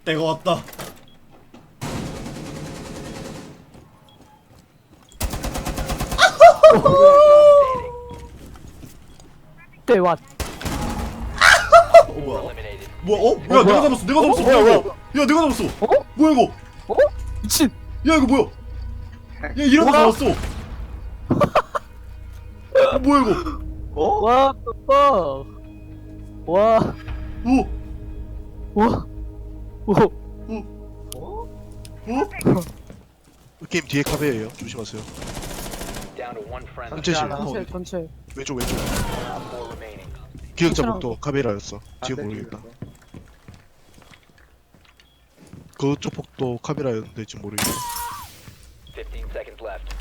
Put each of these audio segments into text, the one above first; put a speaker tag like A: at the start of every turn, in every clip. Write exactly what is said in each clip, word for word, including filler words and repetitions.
A: 때가 왔다.
B: 때와
A: 어 뭐야? 뭐야? 어? 야
B: 어,
A: 내가
B: 뭐야?
A: 잡았어. 내가 잡았어.
B: 어,
A: 뭐야
B: 뭐야,
A: 이거? 야 내가 잡았어.
B: 어?
A: 뭐야 이거?
B: 어? 미친.
A: 야 이거 뭐야? 야 이러고
B: 뭐야?
A: 잡았어. 어, 뭐야 이거?
C: 어?
B: What the fuck? 와,
A: 오,
B: 와, 오.
C: 어?
A: 어?
D: 게임 뒤에 카베예요. 조심하세요. 전체 실
B: 전체, 전체.
D: 왼쪽 왼쪽. 기억자 복도 카베라였어. 지금 모르겠다. 그쪽 복도 카베라였는데 지금 모르겠다.
E: fifteen seconds left.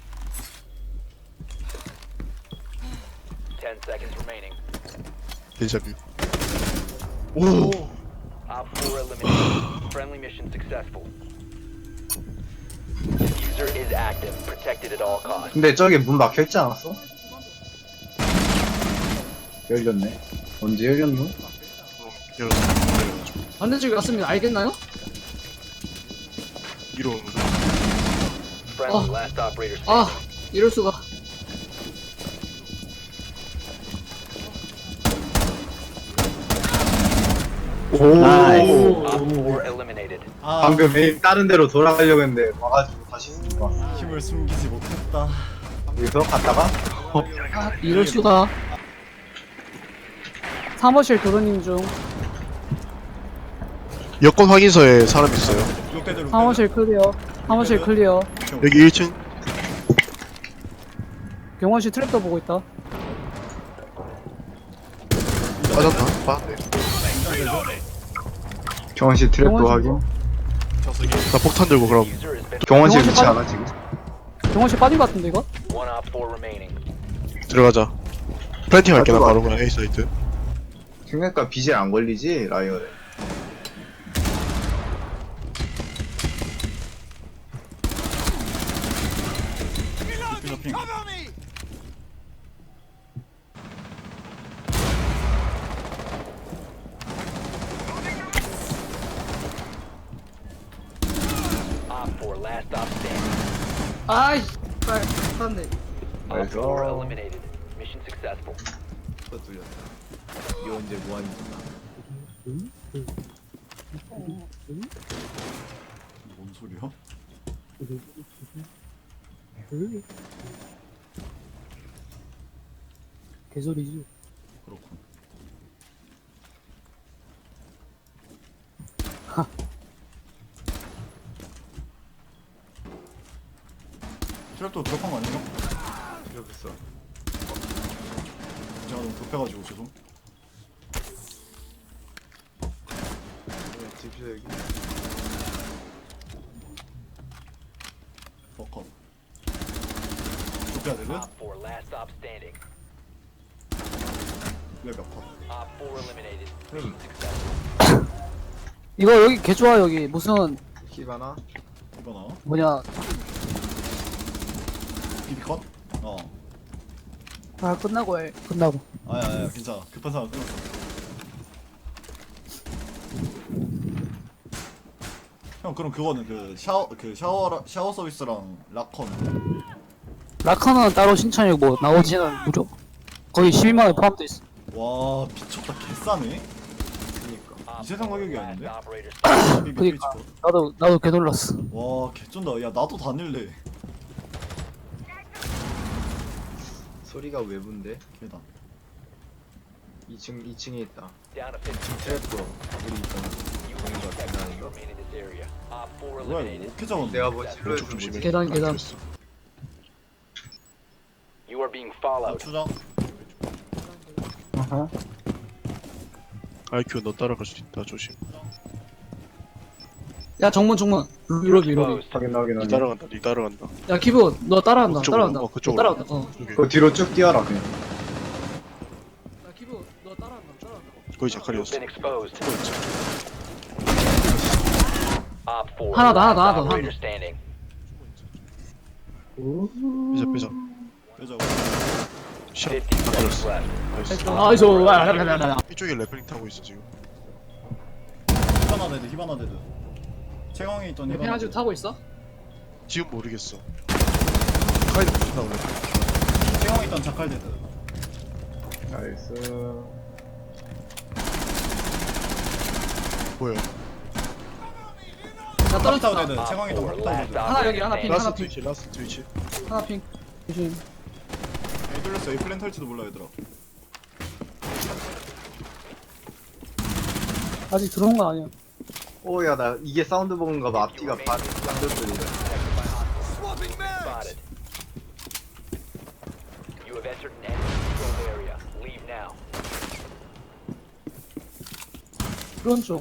E: ten seconds remaining.
D: 데자뷰. 오.
E: Op four eliminated. Friendly mission successful. Diffuser is active, protected at all costs.
C: 근데 저기 문 막혀있지 않았어? 열렸네. 언제 열렸노?
D: 여러분 내려가지고
B: 반대쪽에 왔습니다. 알겠나요?
D: 이로 오는 거죠.
E: Friendly
B: 어.
E: last operator
B: 아,
E: standing.
B: 이럴 수가.
C: 오.
E: Op four eliminated.
A: 아
C: 방금 에임 다른 데로 돌아가려고 했는데 와가지고 다시 숨고 왔어.
A: 힘을 숨기지 못했다.
C: 여기서 갔다가
B: 아, 이럴 수가. 사무실 도로님 중.
D: 여권 확인서에 사람 있어요.
A: 롯데들
B: 사무실 클리어. 사무실 클리어.
D: 여기 일 층.
B: 경원씨 트랩도 보고 있다.
D: 빠졌나? 빠졌네.
C: 경원씨 트랩도
B: 경원씨
C: 확인.
D: 나 폭탄 들고 그럼
E: Diffuser has been
C: 경원씨
B: 경원씨
C: 위치
B: 빠져-
C: 알아 지금?
B: 경원씨 빠진 것 같은데 이거?
E: one op four remaining.
D: 들어가자. 플랜팅 할게 나
C: 들어가.
D: 바로 그냥 A 사이트.
C: 생각보다 비질 안 걸리지 라이어에.
A: 핑.
E: Op four last op standing.
B: 아이, 빨, 샀네.
E: Op four
C: 나이스.
E: eliminated. Mission successful.
C: 또 뚫렸다. 이 언제 뭐하니까.
A: 뭔 소리야?
B: 개소리지.
A: 그렇군. 트랩도 드롭한 거 아니에요?
C: 이러겠어.
A: 제가 너무 급해가지고 죄송.
C: 집시다 여기.
A: 버컷. 좁혀야 되는?
E: Op four last op standing.
A: 왜몇 컷?
E: Op four eliminated.
A: 음.
E: Mission successful.
B: 이거 여기 개 좋아 여기 무슨
C: 히바나.
A: 이거 나?
B: 뭐냐?
A: 비비 컷? 어.
B: 아 끝나고 해. 끝나고.
A: 아야 아야 괜찮아. 급한 상황 끝났어. 형 그럼 그거는 그 샤워 그 샤워 샤워 서비스랑 락컨
B: 라카는 따로 신청이고 뭐 나머지는 무료. 거의 십이만 원 포함돼 있어.
A: 와 미쳤다 개싸네.
C: 그니까.
E: Op
A: 이 세상 가격이
E: four
A: 아닌데?
E: last operator standing.
A: 비비
B: 그니까.
A: 트위치
B: 나도 나도 개 놀랐어.
A: 컷. 와 개쩐다. 야 나도 다닐래.
C: 소리가 외부인데?
A: 개다.
C: 이 층 이 층에 있다.
E: Down to fifteen.
C: 트랩도 우리 있잖아.
E: You will be protected to remain in this area. Op four
A: 뭐야 이거
E: eliminated.
A: 어떻게 잡았네.
C: 내가 뭐 실로
D: 왼쪽 조심해.
B: 계단, 계단.
E: You are being
A: 아,
E: followed.
A: 추장.
C: 어허.
D: 아이큐 너 따라갈 수 있다. 조심.
B: 야 정문 정문. 로비 로비.
E: Exposed.
C: 확인 확인
D: 니
C: 확인.
D: 따라간다. 니 따라간다.
B: 야 기부 너 따라간다.
D: 그쪽으로,
B: 따라간다.
D: 어,
B: 너
D: 그쪽으로.
B: 따라간다. 어.
D: 여기.
C: 그 뒤로 쭉 뛰어라 그냥.
B: 야 기부 너 따라간다. 따라간다.
D: 거의
E: You've
D: 자칼이었어.
E: been exposed.
D: 그렇지.
E: Op four.
B: 하나 더, 하나
E: last
B: 더, 하나 더,
E: operator
B: 하나 더.
E: standing.
D: 빼자 빼자.
A: 빼자.
D: 시작.
E: fifteen
D: 다
E: seconds
D: 걸렸어.
E: left.
D: 나이스.
B: 아이소.
D: 이쪽에 래플링 타고 있어 지금.
A: 아 히바나 데드 히바나 데드 채광에 있던 히바나
B: 페나지고
A: 데드.
B: 타고 있어?
D: 지금 모르겠어. 카이드 붙나 원래.
A: 채광에 있던 자칼 데드.
C: 나이스.
D: 뭐야?
B: 나
A: 탑타워
B: 떨어졌다.
A: 데드 채광에 있던
E: Op four,
A: 탑타워
E: last
A: 데드.
B: 하나 여기, 하나 핑.
E: operator
D: 라스트
B: 핑.
D: 트위치 라스트 트위치.
B: 하나 핑 조심.
A: 에이 뚫렸어 에이 플랜 탈지도 몰라 얘들아.
B: 아직 들어온 거 아니야.
C: 오야 나 이게 사운드 보는가 봐. 앞뒤가 반 반대로 들리네.
E: spotted. You have entered an enemy controlled area. Leave now.
B: 그런 쪽.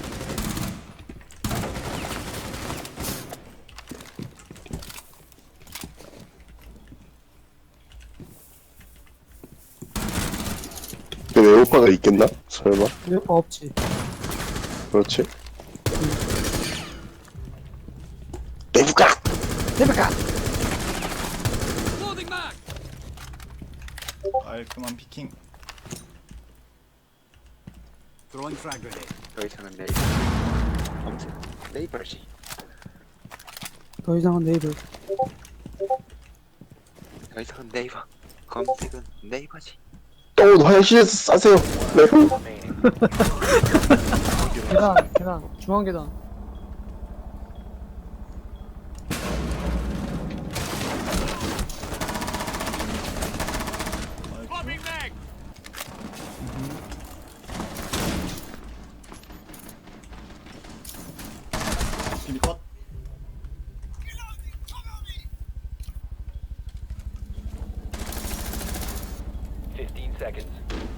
F: 그 외효과가 있겠나? 설마?
B: 이거 없지.
F: 그렇지. 내부가!
B: 레베카.
A: 깔끔한 피킹.
G: 더 이상은 네이버. 아무튼 네이버지.
B: 더 이상은 네이버.
G: 더 이상은 네이버. 검색은 네이버지.
F: 또 화장실에서 싸세요. 네.
E: Remaining.
B: 계단, 계단, 중앙 계단.
A: 비비 컷.
E: Fifteen seconds.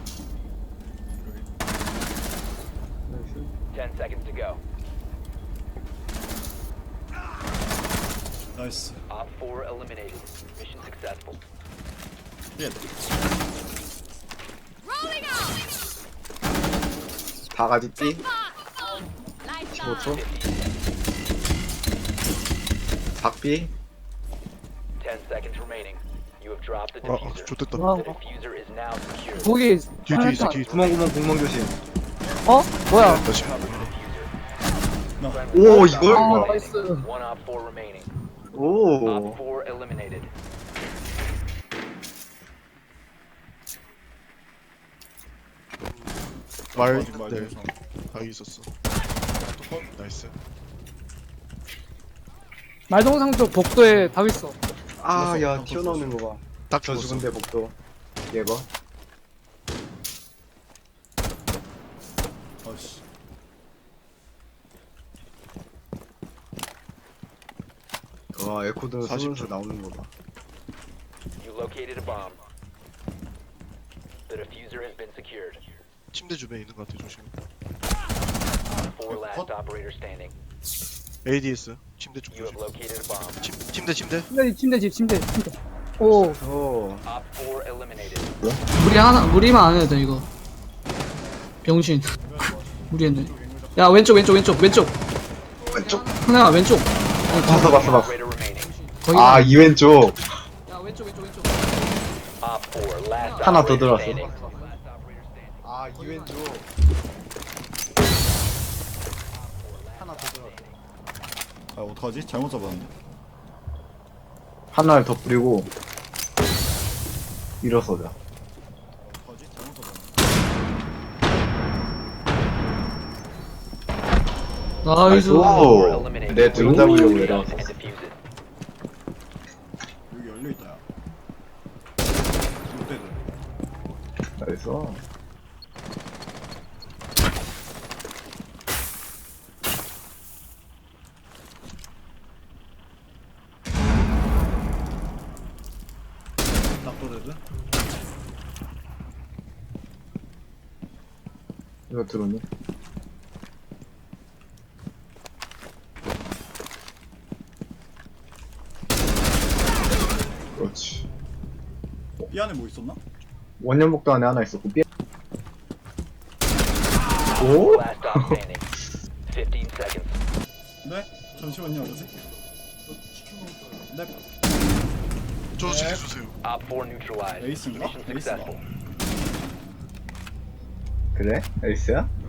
E: Ten seconds to go.
A: 나이스.
E: Op four eliminated. Mission successful.
A: 예.
C: 바가지 띠. 십오 초. 박비.
E: Ten seconds remaining. You have dropped the
D: 아, 아
E: diffuser.
D: 좋됐다.
B: 와,
E: The diffuser is now secured.
B: 거기.
D: 뒤에 뒤에 있어 뒤에 있어.
C: 구멍구멍 구멍 조심.
B: 어? 뭐야?
D: 다시.
C: 오 이걸?
B: 아, 나이스.
E: One op four remaining.
C: 오.
E: Op four eliminated.
D: 말
A: 말
D: 있는데
A: 조심.
D: 다 있었어. 나이스.
B: 말동상 쪽 복도에 다 있어.
C: 아야 튀어나오는 거 봐.
D: 딱
C: 저
D: 죽었어.
C: 죽은데 복도. 얘 봐.
A: 아씨.
C: 와 에코드
D: 사십
C: 쏘면서 나오는 거 봐.
E: You located a bomb. The diffuser has been secured.
D: 침대 주변에 있는 것 같아 조심.
E: Four last operator standing.
D: 에이디에스 침대 쪽
E: You have
D: 조심.
E: located a bomb.
D: 침, 침대 침대.
B: 침대, 침대 집, 침대, 침대. 오,
C: 오.
E: Op four eliminated.
B: 무리 하나, 무리만 안 해도 돼, 이거. 병신. 무리했네. 야, 왼쪽, 왼쪽, 왼쪽, 왼쪽.
C: 왼쪽.
B: 하나야, 왼쪽.
C: 봤어 봤어 봤어.
E: Operator remaining.
B: 거기.
C: 아 이 왼쪽.
B: 야, 왼쪽, 왼쪽, 왼쪽.
E: Op four last
C: 하나 더
E: operator
C: 들어왔어.
E: standing.
C: 아 이 왼쪽. 하나 더 들어.
A: 아 어떡하지? 잘못 잡았는데.
C: 하나를 더 뿌리고 일어서자.
A: 어떡하지? 잘못 잡았는데.
B: 나이스.
C: 오. 내 드론 잡으려고 내려왔어.
E: And defuse it.
A: 여기 열려 있다. 야. 롯데드.
C: 나이스.
A: 낙도데드.
C: 이거 드론이. 그렇지.
A: 이 안에 뭐 있었나?
C: 원년복도 안에 하나 있었고 삐. 오?
E: Last stop standing. Fifteen seconds.
A: 네? 잠시만요. 뭐지? 네.
D: 저 지켜주세요.
E: Op four neutralized.
A: 에이스인가?
E: Mission
A: 에이스다.
E: successful.
C: 그래? 에이스야?